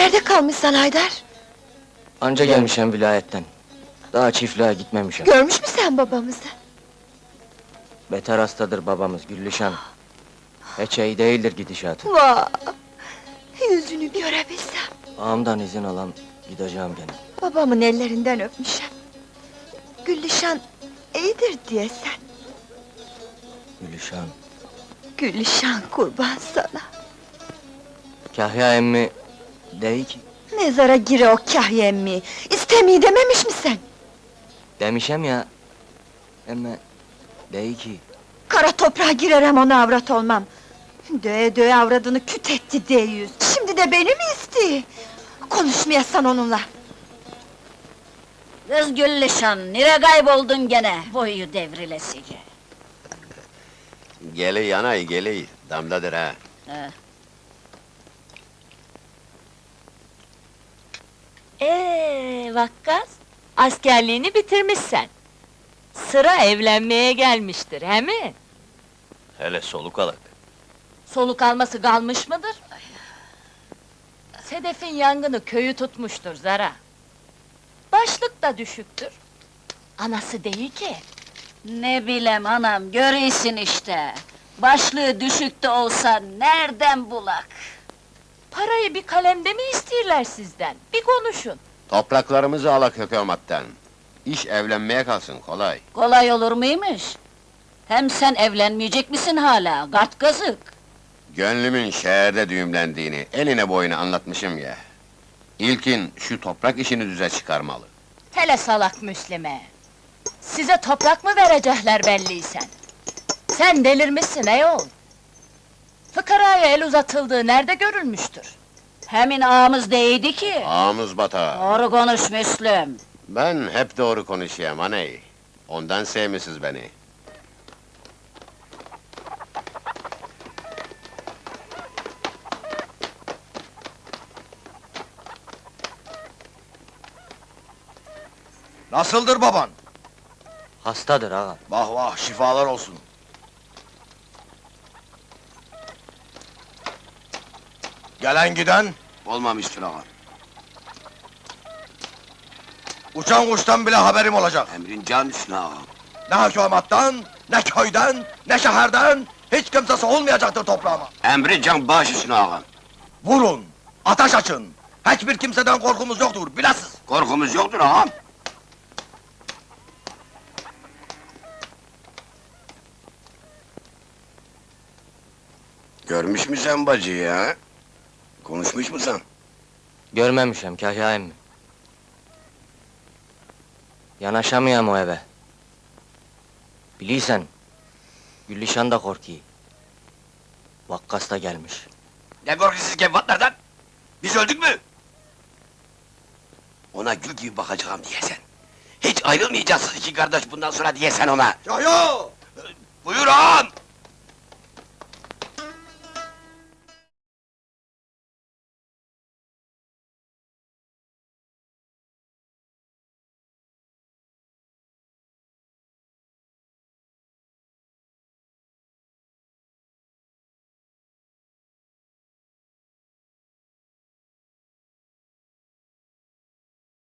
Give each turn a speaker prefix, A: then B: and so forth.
A: Nerede kalmışsın Haydar?
B: Anca gelmişem vilayetten. Daha çiftliğe gitmemişim.
A: Görmüş mü sen babamızı?
B: Beter hastadır babamız Güllüşan. Hiç iyi değildir gidişatı.
A: Vah! Yüzünü görebilsem!
B: Ağamdan izin alam, gideceğim gene.
A: Babamın ellerinden öpmüşem. Güllüşan iyidir diye sen.
B: Güllüşan.
A: Güllüşan kurban sana.
B: Kahya emmi dey ki,
A: Mezara gire o Kahya emmi. İstemeyi dememiş mi sen?
B: demişem ya. Emme dey ki,
A: Kara toprağa girerem ona avrat olmam. Döye döye avradını küt etti deyiz. Şimdi de beni mi istiyor? Konuşmayasan onunla.
C: Kız Güllüşan, nere kayboldun gene, boyu devrilesice?
D: Geli yanay geli, damdadır ha.
E: Vakkas, askerliğini bitirmişsen. Sıra evlenmeye gelmiştir, he mi?
D: Hele soluk alak.
E: Soluk alması kalmış mıdır? Sedef'in yangını köyü tutmuştur Zara. Başlık da düşüktür. Anası değil ki.
C: Ne bilem anam, görüyorsun işte. Başlığı düşük de olsa nereden bulak?
E: Parayı bir kalemde mi istiyorlar sizden? Bir konuşun.
D: Topraklarımızı alak hükümetten. İş evlenmeye kalsın, kolay.
C: Kolay olur muymuş? Hem sen evlenmeyecek misin hala, gart kazık?
D: Gönlümün şehirde düğümlendiğini eline boyuna anlatmışım ya. İlkin şu toprak işini düze çıkarmalı.
E: Hele salak Müslüme! Size toprak mı verecekler belliysen? Sen delirmişsin eyol! Fıkaraya el uzatıldığı nerede görülmüştür?
C: Hemin ağamız değdi ki!
D: Ağımız bata.
C: Doğru konuş Müslüm!
D: Ben hep doğru konuşayım aney. Ondan sevmişsiniz beni.
F: Nasıldır baban?
B: hastadır ağa.
F: Vah vah, şifalar olsun. Gelen giden,
D: Olmamıştır ağam.
F: uçan kuştan bile haberim olacak.
D: Emrin can üstüne ağam.
F: Ne hükümetten, ne köyden, ne şehirden, hiç kimsesi olmayacaktır toprağıma.
D: Emri can baş üstüne ağam.
F: Vurun, ateş açın. Hiçbir kimseden korkumuz yoktur, bilesiz.
D: Korkumuz yoktur ağam. Görmüş mü sen bacıyı ha? Konuşmuş mu sen?
B: Görmemişem Kahya emmi. Yanaşamayam o eve. Biliysen, Güllüşan da korkuyor. Vakkas da gelmiş.
D: Ne korkuyorsunuz kevatlardan? Biz öldük mü? Ona gül gibi bakacağım diyesen. Hiç ayrılmayacağız iki kardeş bundan sonra diyesen ona.
F: Yo yo!
D: Buyur ağam!